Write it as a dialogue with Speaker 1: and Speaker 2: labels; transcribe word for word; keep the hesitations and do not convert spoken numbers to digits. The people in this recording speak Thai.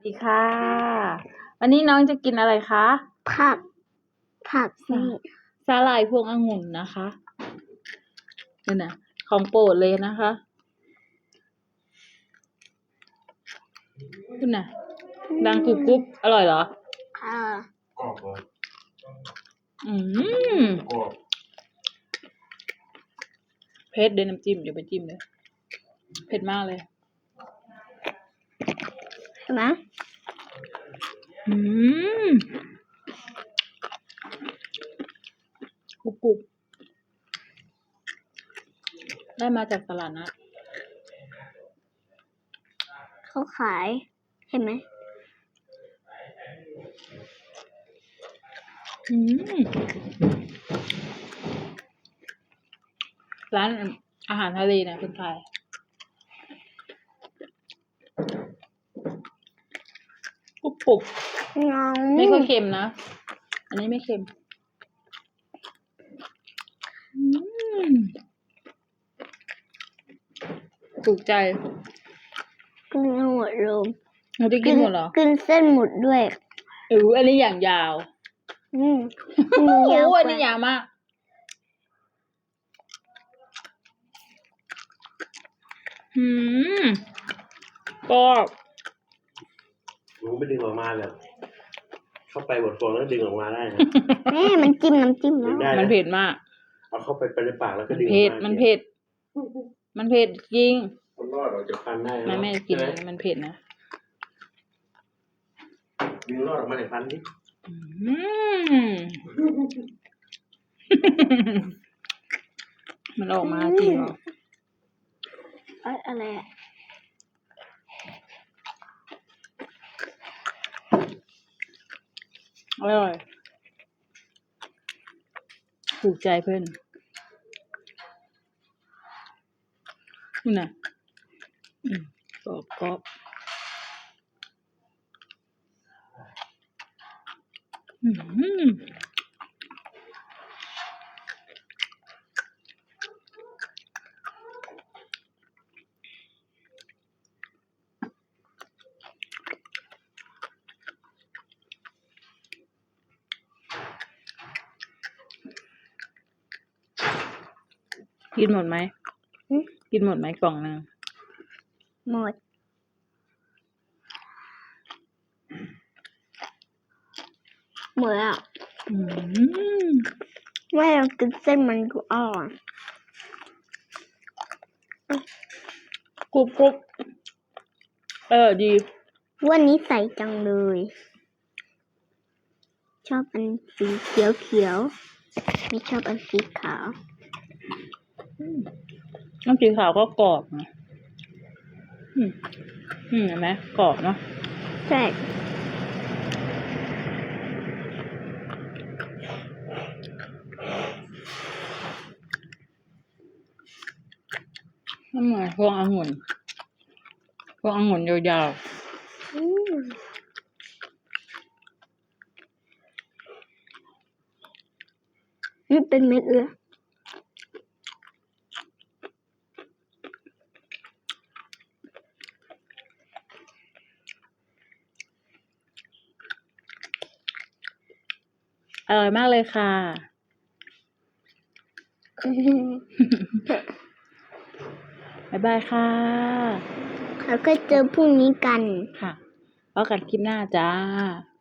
Speaker 1: ดีค่ะวันนี้น้องจะกินอะไรคะ
Speaker 2: ผักผักนี่
Speaker 1: สาหร่ายพวงองุ่นนะคะนี่นะของโปรดเลยนะคะคุณน่ะดังกรุบกรุบอร่อยเหรอ
Speaker 2: ค่ะ
Speaker 3: กรอบเลย
Speaker 1: อืม
Speaker 3: กรอบ
Speaker 1: เผ็ดเดี๋ยวน้ำจิ้มเดี๋ยวไปจิ้มเลยเผ็ดมากเลย
Speaker 2: เห็นไหม
Speaker 1: อืมกรุบกรุบได้มาจากตลาดนะ
Speaker 2: เขาขายเห็นไหม
Speaker 1: อืมร้านอาหารทะเลนะคุณพายกรุบกรุบไม่ค่อยเค็มนะอันนี้ไม่เค็มอืมถูกใจ
Speaker 2: กินหมดเลย
Speaker 1: เราได้กินหมดเหรอ
Speaker 2: กินเส้นหมดด้วย
Speaker 1: เอออันนี้อย่างยาว
Speaker 2: อืม
Speaker 1: โอ้อันนี้ยาวมากอืมก็
Speaker 3: มันไม่ดึงออกมาเลยเข้าไปบดฟองแล้วดึงออกมาได้นะ
Speaker 2: แม่มันจิ้มน้ำจิ้มแล้ว
Speaker 1: มันเผ็ดมาก
Speaker 3: เอาเข้าไปไปในปากแล้วก็ดึงออก
Speaker 1: เผ็ด
Speaker 3: มา
Speaker 1: มันเผ็ดมันเผ็ดจริง
Speaker 3: มันรอดออกจากฟันได้
Speaker 1: แม่แม่กินมันเผ็ดนะ
Speaker 3: ดึงรอดออกมาจากฟันนี่
Speaker 1: อืมมันออกมาจริงเหรอ
Speaker 2: อะไร
Speaker 1: อร่อยถูกใจเพื่อนนี่นะอืมกรอบกรอบอืมกินหมดไหมกินหมดไหมกล่องนึง
Speaker 2: หมดหมดอ่ะ
Speaker 1: อืม
Speaker 2: แม่กินเส้นมันก็อร่อย
Speaker 1: กรุบกรุบเออดี
Speaker 2: วันนี้ใส่จังเลยชอบอันสีเขียวเขียวไม่ชอบอันสีขาว
Speaker 1: น้ำสีขาวก็กรอบนะอืมอืมเห็นไหมกรอบเนาะ
Speaker 2: ใช่
Speaker 1: นั่นไงพวงองุ่นพวงองุ่นยาว
Speaker 2: ๆนี่เป็นเม็ดเลย
Speaker 1: อร่อยมากเลยค่ะบ๊ายบายค่ะ
Speaker 2: แล้วก็เจอพรุ่งนี้กัน
Speaker 1: ค่ะพบกันคลิปหน้าจ้า